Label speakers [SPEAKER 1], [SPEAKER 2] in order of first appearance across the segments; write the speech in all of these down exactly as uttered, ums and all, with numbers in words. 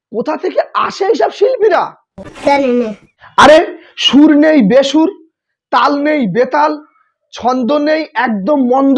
[SPEAKER 1] কোথা থেকে আসে এইসব শিল্পীরা?
[SPEAKER 2] জানি না।
[SPEAKER 1] আরে সুর নেই বেসুর, তাল নেই বেতাল, ছন্দ নেই একদম মন্দ,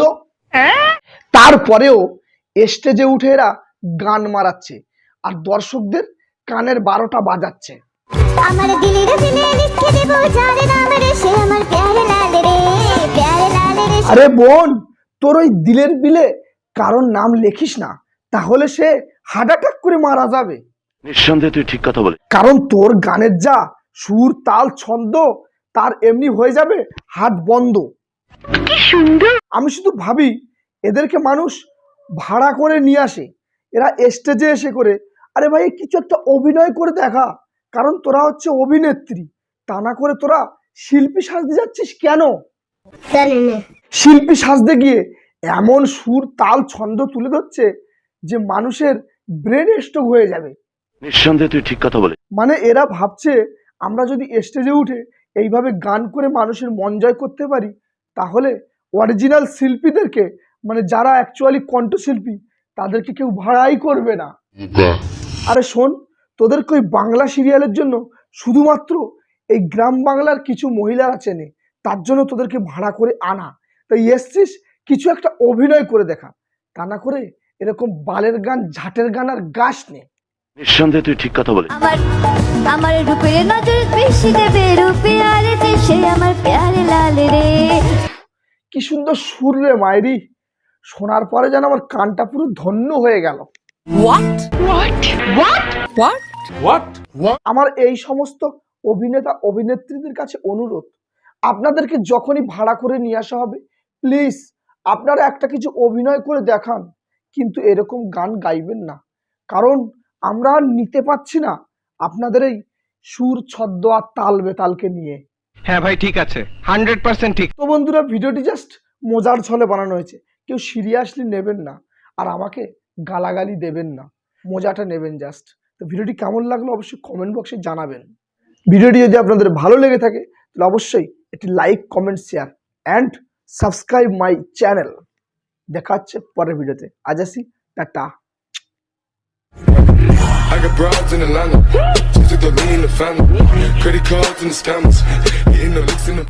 [SPEAKER 1] তারপরেও স্টেজে উঠে এরা গান মারাচ্ছে আর দর্শকদের কানের বারোটা বাজাচ্ছে।
[SPEAKER 2] আমার দিলের দিলে লিখে দেব যার নাম রে সে আমার প্যারে লাল রে প্যারে লাল রে।
[SPEAKER 1] আরে বোন, তোর ওই দিলের বিলে কারোর নাম লেখিস না, তাহলে সে হার্ট অ্যাটাক করে মারা যাবে।
[SPEAKER 3] নিঃসন্দেহে তুই ঠিক কথা বলে।
[SPEAKER 1] কারণ তোর গানের যা সুর তাল ছন্দ, তার এমনি হয়ে যাবে হাত বন্ধ।
[SPEAKER 4] কি সুন্দর।
[SPEAKER 1] আমি শুধু ভাবি এদেরকে মানুষ ভাড়া করে নিয়ে আসে, এরা স্টেজে এসে করে আরে ভাই কিছু একটা অভিনয় করে দেখা, কারণ তোরা হচ্ছে অভিনেত্রী, তা না করে তোরা শিল্পী সাজতে যাচ্ছিস কেন?
[SPEAKER 2] জানি না।
[SPEAKER 1] শিল্পী সাজতে গিয়ে এমন সুর তাল ছন্দ তুলে ধরছে যে মানুষের ব্রেন স্ট্রোক হয়ে যাবে।
[SPEAKER 3] নিঃসন্দেহে তুই ঠিক কথা বলে।
[SPEAKER 1] মানে এরা ভাবছে আমরা যদি স্টেজে উঠে এইভাবে গান করে মানুষের মন জয় করতে পারি, তাহলে অরিজিনাল শিল্পীদেরকে, মানে যারা অ্যাকচুয়ালি কণ্ঠশিল্পী, তাদেরকে কেউ ভাড়াই করবে না। আরে শোন, তোদেরকে ওই বাংলা সিরিয়ালের জন্য শুধুমাত্র এই গ্রাম বাংলার কিছু মহিলারা চেনে, তার জন্য তোদেরকে ভাড়া করে আনা। তাই এসছিস কিছু একটা অভিনয় করে দেখা, তা না করে এরকম বালের গান ঝাটের গান আর গাস নে।
[SPEAKER 3] নিঃসন্দেহে তুই ঠিক কথা বলে।
[SPEAKER 2] আমার আমার রূপের নজর বেশি দেবে রূপে আর সে আমার প্যারে লাল রে।
[SPEAKER 1] কি সুন্দর সুর রে মায়েরি, শোনার পরে যেন আমার কানটা পুরো ধন্য হয়ে গেল।
[SPEAKER 4] What? What? What? What?
[SPEAKER 5] What?
[SPEAKER 1] আমার এই সমস্ত অভিনেতা অভিনেত্রীদের কাছে অনুরোধ, আপনাদেরকে যখনই ভাড়া করে নিয়ে আসা হবে, প্লিজ আপনারা একটা কিছু অভিনয় করে দেখান, কিন্তু এরকম গান গাইবেন না, কারণ আমরা আর নিতে পারছি না আপনাদের এই সুর ছদ্ম আর তাল বেতালকে নিয়ে।
[SPEAKER 5] হ্যাঁ ভাই ঠিক আছে, হান্ড্রেড পার্সেন্ট ঠিক।
[SPEAKER 1] তো বন্ধুরা, ভিডিওটি জাস্ট মজার ছলে বানানো হয়েছে, কেউ সিরিয়াসলি নেবেন না আর আমাকে গালাগালি দেবেন না, মজাটা নেবেন জাস্ট। তো ভিডিওটি কেমন লাগলো অবশ্যই কমেন্ট বক্সে জানাবেন। ভিডিওটি যদি আপনাদের ভালো লেগে থাকে তাহলে অবশ্যই একটি like comment share and subscribe my channel. দেখা হচ্ছে পরের ভিডিওতে, আজ আসি, tata.
[SPEAKER 6] I got broads in Atlanta, just to throw me in the family. Credit cards and the scammers, getting the licks in the